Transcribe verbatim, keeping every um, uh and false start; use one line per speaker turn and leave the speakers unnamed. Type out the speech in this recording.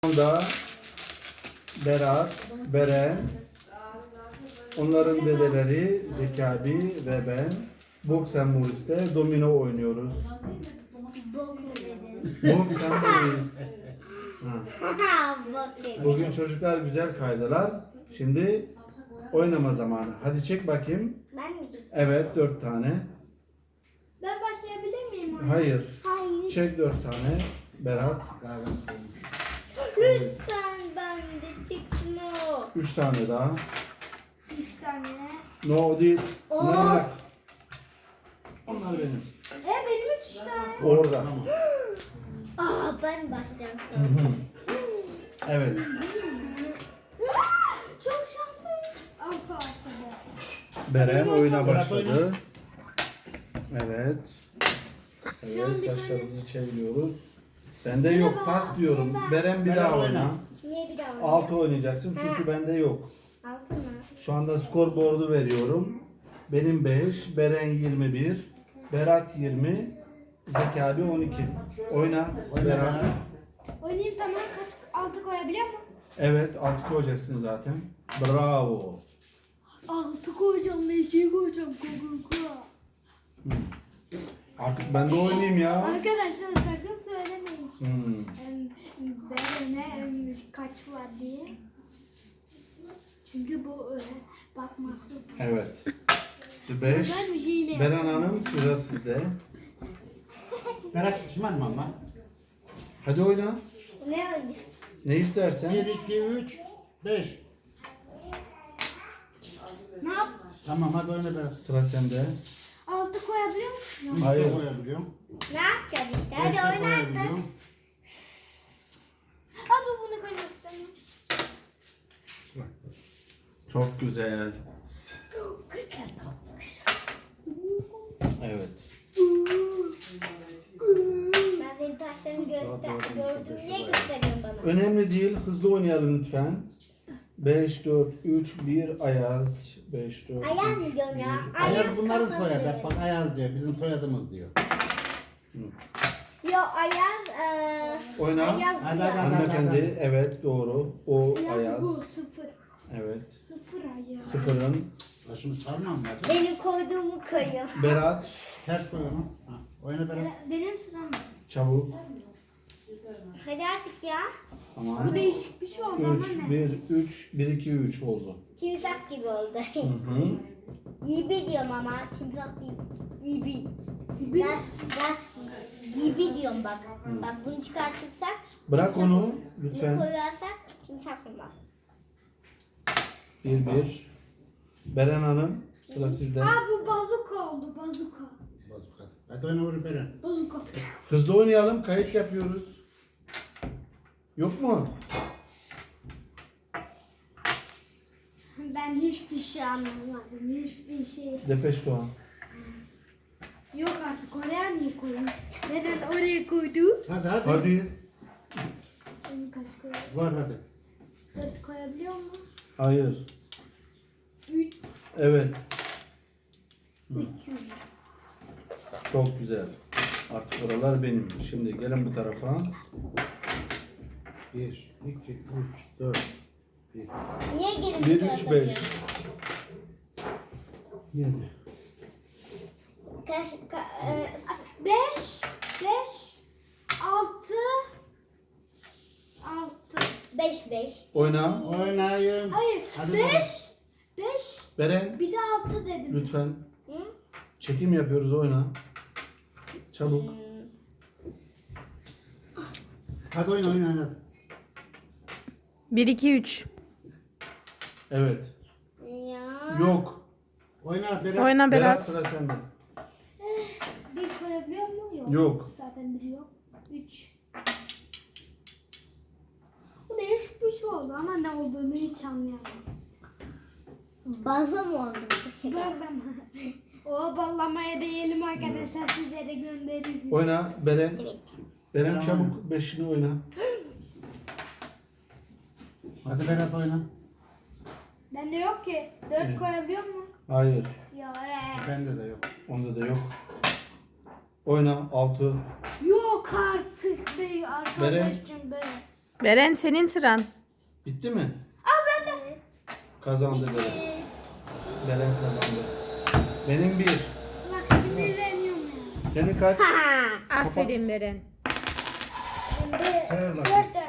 anda Berat, Beren, onların dedeleri Zeki abi ve ben Boks and Movies'te domino oynuyoruz. Boks and Movies. Bugün çocuklar güzel kaydılar. Şimdi oynama zamanı. Hadi çek bakayım.
Ben mi çekeyim?
Evet, dört tane.
Ben başlayabilir miyim? Anne?
Hayır.
Hayır.
Çek dört tane. Berat.
Lütfen ben de çeksin o.
Üç tane daha.
Üç tane.
No o değil.
Oo.
Onları bırak. Onlar benim.
E benim üç tane.
Orada.
Aa ben başlayacağım sonra.
Evet.
Çok şanslıyım. Altta altta be.
Beren oyuna başladı. Evet.
Şu an
Evet,
bir
taşlarımızı çeviriyoruz. Bende yok, pas diyorum. Beren bir daha oyna.
Niye bir daha oynayayım?
Altı oynayacaksın çünkü bende yok.
Altı mı?
Şu anda skorboardu veriyorum. Benim beş, Beren yirmi bir, Berat yirmi, Zeki abi on iki. Oyna Berat.
Oynayayım tamam. Kaç altı koyabiliyor musun?
Evet, altı koyacaksın zaten. Bravo.
Altı koyacağım. Beşi koyacağım. Kokuka.
Artık ben de oynayayım ya.
Arkadaşlar sakın söylemeyin.
Hmm.
Berene kaç var diye. Çünkü bu e, bakmazsın.
Evet. beş.
Ben hile
Beren Hanım sıra sizde.
Berat şımarma ama.
Hadi oyna.
Ne oldu?
Ne istersen.
bir, iki, üç, beş.
Ne yap?
Tamam hadi oyna Berat.
Sıra sende.
Altı koyabiliyor musun?
üç
Hayır.
de koyabiliyorum.
Ne yapacağız işte?
beş de
Hadi oyna artık.
koyabiliyorum.
Hadi bunu koymak istemiyorum.
Çok güzel.
Çok güzel.
Evet.
Ben senin taşlarını göster gördüm diye gösteriyorum bana.
Önemli değil. Hızlı oynayalım lütfen. beş, dört, üç, bir, Ayaz. beş, dört,
Ayaz mı diyorsun ya?
Ayaz bunların
kafalı.
soyadı. Bak Ayaz diyor. Bizim soyadımız diyor.
Yo Ayaz eee
Oyna.
Ayaz bu
Hadi,
ya.
hadi.
Hanımefendi. Evet doğru. O
Ayaz
Ayaz.
bu sıfır.
Evet.
Sıfır Ayaz.
Sıfırın.
Başını sarmam mı acaba?
Benim koyduğumu koyuyor.
Berat.
Ters koy onu. Ha, oyna Berat.
Benim sıram mı?
Çabuk.
Hadi artık ya.
Tamam.
Bu değişik bir şey oldu ama
üç,
ne?
bir, üç, bir, iki, üç oldu.
Timsah gibi oldu.
Hı hı.
Gibi diyorum ama timsah değil. Gibi. Ben, ben gibi diyorum bak. Bak bunu çıkartırsak.
Bırak onu
Bunu
lütfen.
koyarsak timsah olmaz.
Bir, bir. Beren Hanım sıra sizde.
Aa bu bazuka oldu bazuka.
Bazuka. Hadi oyna vur Berat.
Bazuka.
Hızlı oynayalım. Kayıt yapıyoruz. Yok mu?
Ben hiçbir şey anlamadım. Hiçbir şey.
Depeş Doğan.
Yok artık oraya niye koydun? Neden oraya koydu?
Hadi hadi.
Hadi.
Benim kaç koyuyor?
Var hadi.
Dört koyabiliyor mu?
Hayır.
Üç.
Evet.
Üç.
Çok güzel. Artık oralar benim. Şimdi gelin bu tarafa.
bir, iki, üç, dört, bir,
Niye gelin
bir,
bu
üç,
tarafa
beş.
diyorsun?
yedi.
Kaç, ka, e, beş, beş, altı, altı, beş, beş.
Oyna.
Oynayın.
Hayır,
Hadi
beş,
bakalım.
beş,
Beren.
bir de altı dedim.
Lütfen.
Hı?
Çekim yapıyoruz. Oyna. Çabuk.
Hadi oyna oyna oyna.
bir, iki, üç.
Evet.
Ya.
Yok.
Oyna Berat.
Oyna
Berat
Berat.
sıra sende.
Bir koyabiliyor mu? Yok.
Yok.
Zaten biri yok. Üç. Bu değişik bir şey oldu ama ne olduğunu hiç anlayamadım. Bazı mı oldu bu Ballama. O ballamaya değelim arkadaşlar sizlere göndeririz.
Oyna. Beren.
Evet.
Beren çabuk. Beşini oyna.
Hadi Berat oyna.
Bende yok ki. Dört
Evet.
koyabiliyor mu?
Hayır.
Ya ee.
Bende de yok.
Onda da yok. Oyna. Altı.
Yok artık be arkadaşım be.
Beren senin sıran.
Bitti mi?
Aa ben de.
Kazandı Beren. Beren kazandı. Benim bir.
Bak sinirleniyorum ya.
Senin kaç?
Ha.
Aferin Beren.
Ben de
Çevir bakayım.
dört